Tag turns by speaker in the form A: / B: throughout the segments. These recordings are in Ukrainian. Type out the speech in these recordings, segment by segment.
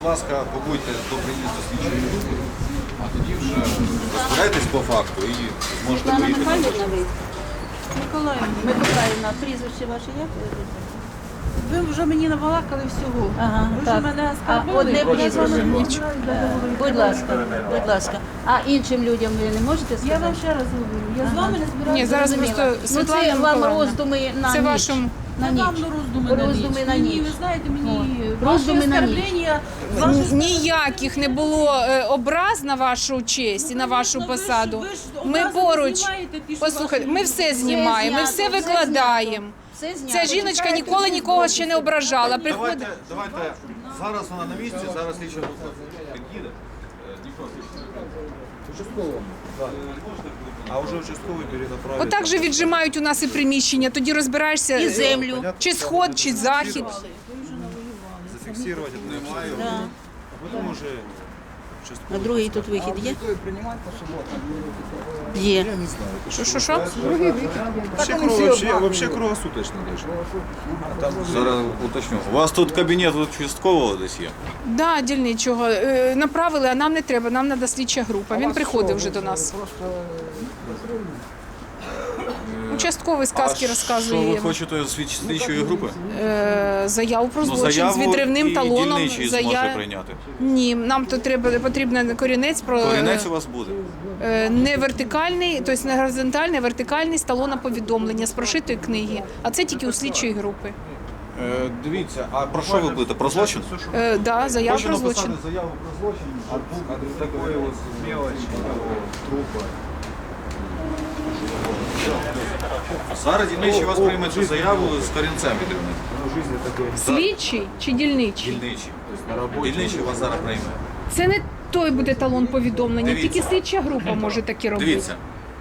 A: Будь ласка, побудьте до приїзду слідчої групи, а тоді вже розбирайтесь по факту і зможете
B: Світлана
A: поїхати на
B: Михайлівна,
A: дачу.
B: ви? Миколаївна, прізвище ваше як?
C: Ви вже мені набалакали всього.
B: Ага,
C: Ви вже
B: так.
C: мене
B: А одне
C: оскарбили.
B: прізвище?
C: Нічого.
B: Будь ласка, будь ласка. А іншим людям ви не можете
C: Я
B: сказати?
C: вам ще раз говорю. Я з вами не збираюся.
D: Ні, зараз
B: Зрозуміла.
D: просто Світлана
B: Ну, це вам
D: Миколаївна.
B: роздуми на
D: Це
B: ніч.
D: вашому
B: На
C: Я
B: ніч.
C: вам роздуми на
B: Роздуми
C: ніч.
B: на
C: Мені,
B: ніч.
C: ви знаєте, мені
B: О,
C: ваші
B: роздуми на ніч.
C: оскарблення,
D: ніяких не було образ на вашу честь і на вашу
C: Ну, ви ж-
D: посаду.
C: ви ж
D: Ми
C: образи
D: поруч.
C: знімаєте, ті, що
D: Послухайте,
C: ваші
D: ми
C: люди.
D: все знімаємо, ми все
B: знято, все
D: викладаємо.
B: Все знято.
D: Ця жіночка ніколи нікого ще не ображала. Приходить.
A: Давайте, зараз вона на місці, зараз слідча група під'їде. Дніпро слідча. А вже участковий перенаправить.
D: Отак же віджимають у нас і приміщення, тоді розбираєшся
B: І землю.
D: чи сход, чи захід.
A: Зафіксувати немає.
B: Да.
A: А потім уже
B: А другий тут вихід є? Є.
D: Що?
A: Вообще круглосуточно даже. Зараз уточню. У вас тут кабінет участкового десь є?
D: Да, дільничого. Направили, а нам не треба, нам треба слідча група. Він приходив вже до нас. Участковий сказки розказує.
A: Що ви хочете з слідчої групи?
D: Заяву про
A: Ну,
D: злочин з
A: заяву
D: відривним
A: і
D: талоном.
A: дільничий зможе прийняти.
D: Ні, нам то потрібен корінець про
A: Корінець у вас буде.
D: не вертикальний, тобто не горизонтальний, а вертикальний з талона повідомлення з прошитої книги. А це тільки у слідчої групи.
A: Дивіться, а про що ви будете? Про злочин?
D: Да, заяву
A: Хочу
D: про
A: написати
D: злочин.
A: заяву про злочин от такої от мелочі, трупа. Зараз дільничий вас прийме цю заяву з корінцем відривним.
D: Слідчий чи дільничий?
A: Дільничий. Дільничий вас зараз прийме.
D: Це не той буде талон повідомлення,
A: Дивіться.
D: тільки слідча група може такі робити.
A: Дивіться.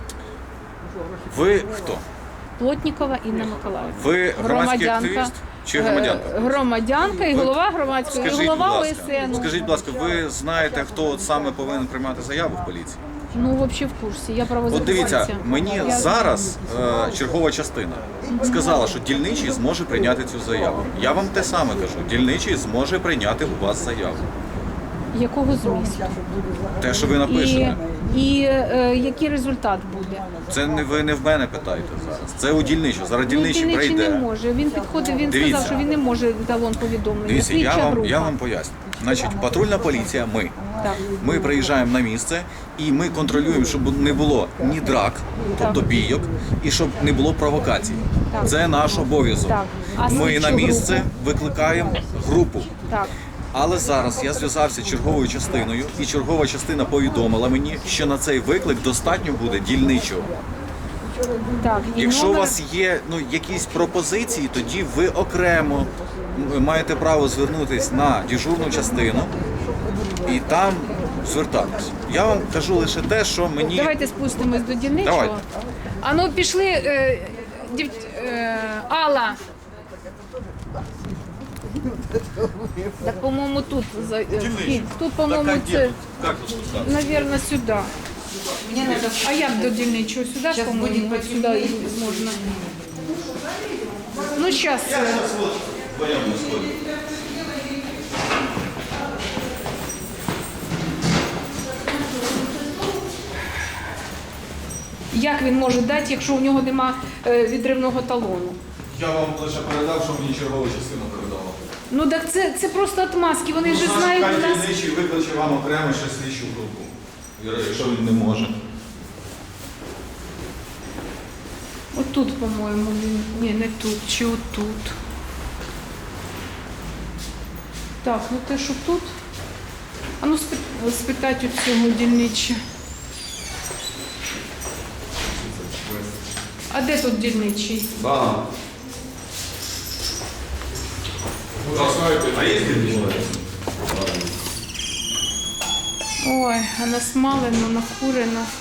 A: Ви хто?
D: Плотнікова Інна Миколаївна.
A: Ви громадський активіст чи громадянка?
D: Громадянка і голова громадської, і
A: Скажіть, будь
D: голова
A: ласка,
D: ОСН.
A: скажіть, будь ласка, ви знаєте, хто от саме повинен приймати заяву в поліції?
D: Ну, взагалі в курсі, я
A: От
D: правозахисниця.
A: дивіться, мені зараз чергова частина сказала, що дільничий зможе прийняти цю заяву. Я вам те саме кажу, дільничий зможе прийняти у вас заяву.
D: Якого змісту?
A: Те, що ви напишете.
D: І який результат буде?
A: Це не ви не в мене питаєте зараз. Це у дільничого. Зараз дільничий
D: Дільничий не
A: прийде.
D: може. Він підходив, він
A: Дивіться.
D: сказав, що він не може талон повідомлення.
A: Дивіться,
D: Слідча група.
A: я вам поясню. Значить, патрульна поліція,
D: Так.
A: ми приїжджаємо на місце і ми контролюємо, щоб не було ні драк, тобто бійок, і щоб не було провокацій.
D: Так.
A: Це наш обов'язок.
D: Так. А
A: Ми
D: слідчу
A: на місце
D: групу?
A: викликаємо групу.
D: Так.
A: Але зараз я зв'язався з черговою частиною, і чергова частина повідомила мені, що на цей виклик достатньо буде дільничого.
D: Так. І
A: Якщо у
D: номер-
A: вас є якісь пропозиції, тоді ви окремо маєте право звернутися на дежурну частину і там звертатись. Я вам кажу лише те, що мені
D: Давайте спустимось до дільничого.
A: Давайте.
D: А ну пішли, Алла. Так, по-моєму, тут вхід. Тут, по-моєму, це,
A: Як тут спускатися?
D: навірно, сюди. А як до дільничого? Сюди, по-моєму, сюди і можна. Ну, зараз. Як він може дати, якщо у нього нема відривного талону?
A: Я вам лише передав, що мені чергова частина передала.
D: Ну так це просто отмазки, вони ж знають у нас.
A: Дільничий викличе вам окремо ще слідчу групу, якщо він не може.
D: Отут, по-моєму, він. Ні, не тут, чи отут. Так, ну те, що тут. А ну спитати у цього дільнича. А де тут дільничий?
A: Да. А є дільничий?
D: Ой, а насмалено, накурено.